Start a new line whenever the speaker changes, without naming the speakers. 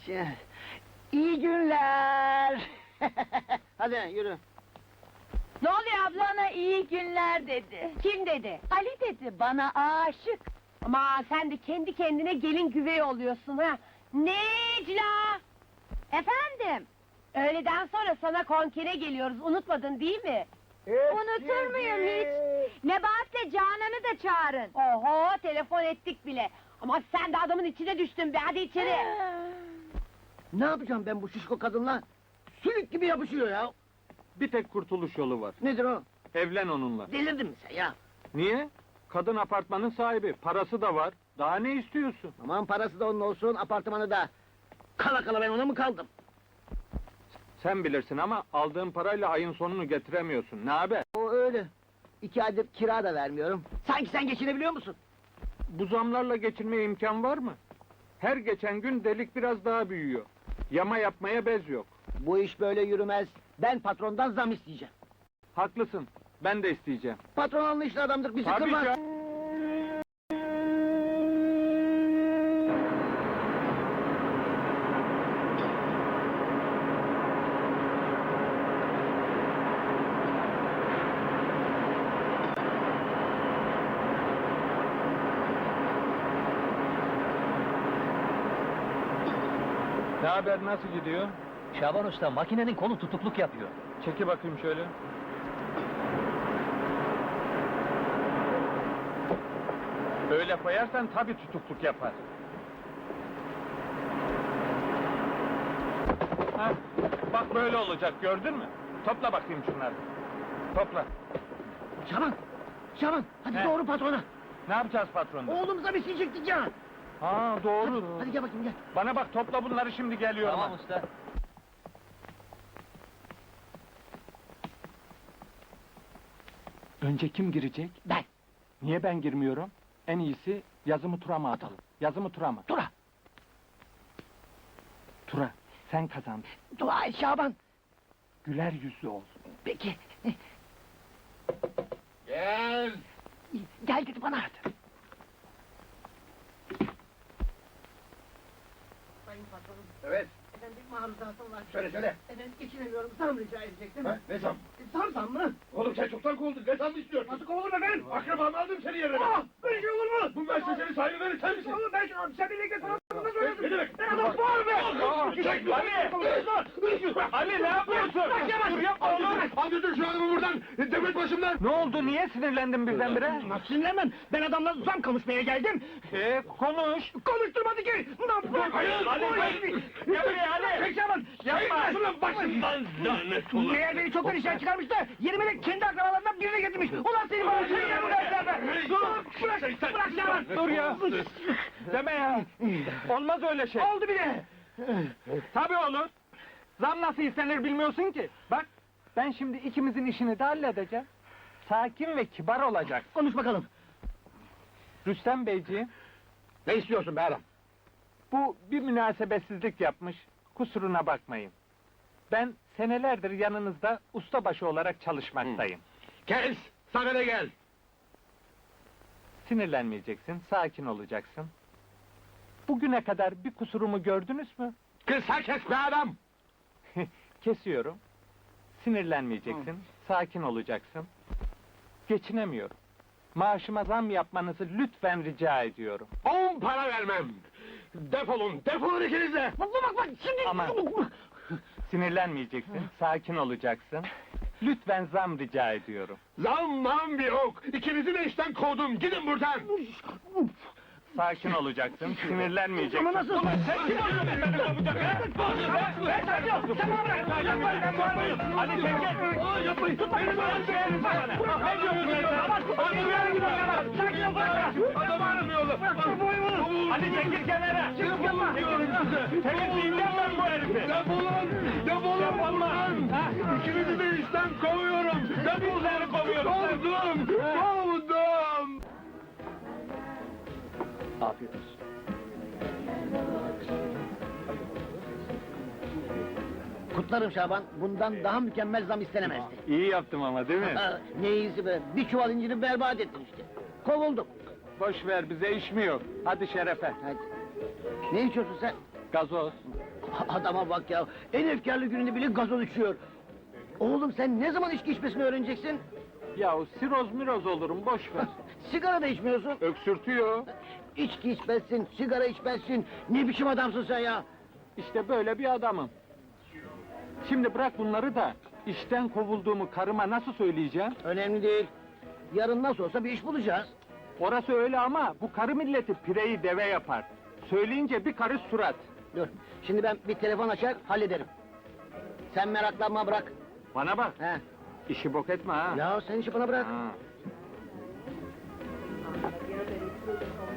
İyi günler. Hadi yürü.
Ne oluyor abla? Bana iyi günler dedi. Kim dedi? Ali dedi, bana aşık. Ama sen de kendi kendine gelin güvey oluyorsun ha. Necla! Efendim? Öğleden sonra sana konkere geliyoruz, unutmadın değil mi? Unutur muyum hiç? Nebahat'le Canan'ı da çağırın. Oho, telefon ettik bile. Ama sen de adamın içine düştün be, hadi içeri.
Ne yapacağım ben bu şişko kadınla? Sülük gibi yapışıyor ya.
Bir tek kurtuluş yolu var.
Nedir o?
Evlen onunla.
Delirdin mi sen ya?
Niye? Kadın apartmanın sahibi, parası da var. Daha ne istiyorsun?
Aman parası da onun olsun, apartmanı da. Kala kala ben ona mı kaldım?
Sen bilirsin ama aldığın parayla ayın sonunu getiremiyorsun. Ne haber?
O öyle. 2 aydır kira da vermiyorum. Sanki sen geçinebiliyor musun?
Bu zamlarla geçinmeye imkan var mı? Her geçen gün delik biraz daha büyüyor. Yama yapmaya bez yok.
Bu iş böyle yürümez. Ben patrondan zam isteyeceğim.
Haklısın. Ben de isteyeceğim.
Patron anlayışlı adamdır, bizi
Tabii
kırmaz.
canım. Ne haber, nasıl gidiyor?
Şaban Usta, makinenin kolu tutukluk yapıyor.
Çeki bakayım şöyle. Öyle koyarsan tabii tutukluk yapar. Hah, bak böyle olacak, gördün mü? Topla bakayım şunları. Topla.
Şaban! Şaban! Hadi
He.
doğru patrona!
Ne yapacağız patronla?
Oğlumuza bir şey çektik ya!
Ha doğru.
Hadi gel bakayım gel.
Bana bak, topla bunları, şimdi geliyorum.
Tamam usta.
Önce kim girecek?
Ben!
Niye ben girmiyorum? En iyisi yazımı Tura mı atalım? Yazımı Tura mı?
Tura!
Tura, sen kazandın.
Dua et Şaban!
Güler yüzlü ol.
Peki!
Gel.
Gel dedi bana! Sayın patronum!
Evet,
Efendim maruzatım var.
söyle.
Efendim geçinemiyorum, zam rica edecektim.
Ha, ne zam?
Zam mı?
Oğlum sen çoktan kovuldun, ne zam istiyorsun?
Nasıl kovuldum efendim?
Akrabamı aldım seni yerine.
Böyle şey olur mu?
Bu müessesenin sahibi benim, sen misin?
Oğlum ben sen birlikte sana bunu söyledim.
Ne demek?
Ben adam var be!
Çek!
Ali ne yapıyorsun? Dur yapma oğlum!
Al götür şu adamı buradan, devlet başımdan!
Ne oldu, niye sinirlendin birdenbire?
Nasıl sinirlenmem? Ben adamla zam konuşmaya geldim.
Konuş!
Konuşturmadı ki! Ne yapayım?
Hayır!
Ali, gel buraya Ali!
Peki Şaban!
Yapma!
Şunun başımdan lanet olsun!
Meğer beni çoktan işten çıkarmış da yerime de kendi akrabalarından birini getirmiş. Ulan seni bana seni ya bu derslerde! Bırak Şaban!
Dur ya! Deme ya! Olmaz öyle şey!
Oldu bile!
Tabii olur! Zam nasıl istenir bilmiyorsun ki! Bak, ben şimdi ikimizin işini de halledeceğim. Sakin ve kibar olacak.
Konuş bakalım.
Rüstem Beyciğim,
Ne istiyorsun be adam?
bu bir münasebetsizlik yapmış, kusuruna bakmayın. Ben senelerdir yanınızda ustabaşı olarak çalışmaktayım.
Kes! Sana ne gel?
Sinirlenmeyeceksin, sakin olacaksın. Bugüne kadar bir kusurumu gördünüz mü?
Kısa kes be adam!
Kesiyorum. Sinirlenmeyeceksin, sakin olacaksın. Geçinemiyorum. Maaşıma zam yapmanızı lütfen rica ediyorum.
10 para vermem! Defolun ikiniz de!
Bak şimdi...
Aman. Sinirlenmeyeceksin, sakin olacaksın. Lütfen zam rica ediyorum.
Zammam bir ok! İkinizi de işten kovdum, gidin buradan!
Sakin olacaksın, sinirlenmeyeceksin.
Ama nasıl?
Sen kim oluyorsun beni kovacak ha? Ali sen gel!
Yapmayın!
Tut beni böyle söylerim sana! Ne diyorsun sen?
Adam aramıyorlar!
Ali çekil kenara! Temizleyeceğim ben bu herifi!
Defolun buradan! İkinizi de işten kovuyorum!
Defolun kovuyorum!
Kovdum!
Afiyet olsun.
Kutlarım Şaban, bundan daha mükemmel zam istenemezdi.
İyi yaptım ama değil mi?
Ha, ne iyisi be, bir çuval inciri berbat ettin işte. Kovuldum.
Boş ver, bize iş mi yok? Hadi şerefe!
Hadi. Ne içiyorsun sen?
Gazoz!
Adama bak ya, en efkarlı gününde bile gazoz içiyor. Oğlum sen ne zaman içki içmesini öğreneceksin?
Ya siroz miroz olurum, boş ver.
Sigara da içmiyorsun.
Öksürtüyor.
İçki içmezsin, sigara içmezsin. Ne biçim adamsın sen ya?
İşte böyle bir adamım. Şimdi bırak bunları da, işten kovulduğumu karıma nasıl söyleyeceğim?
Önemli değil. Yarın nasıl olsa bir iş bulacağız.
Orası öyle ama bu karı milleti pireyi deve yapar. Söyleyince bir karış surat.
Dur, şimdi ben bir telefon açar, hallederim. Sen meraklanma, bırak.
Bana bak,
He.
işi bok etme ha.
Ya sen işi bana bırak.
Ha.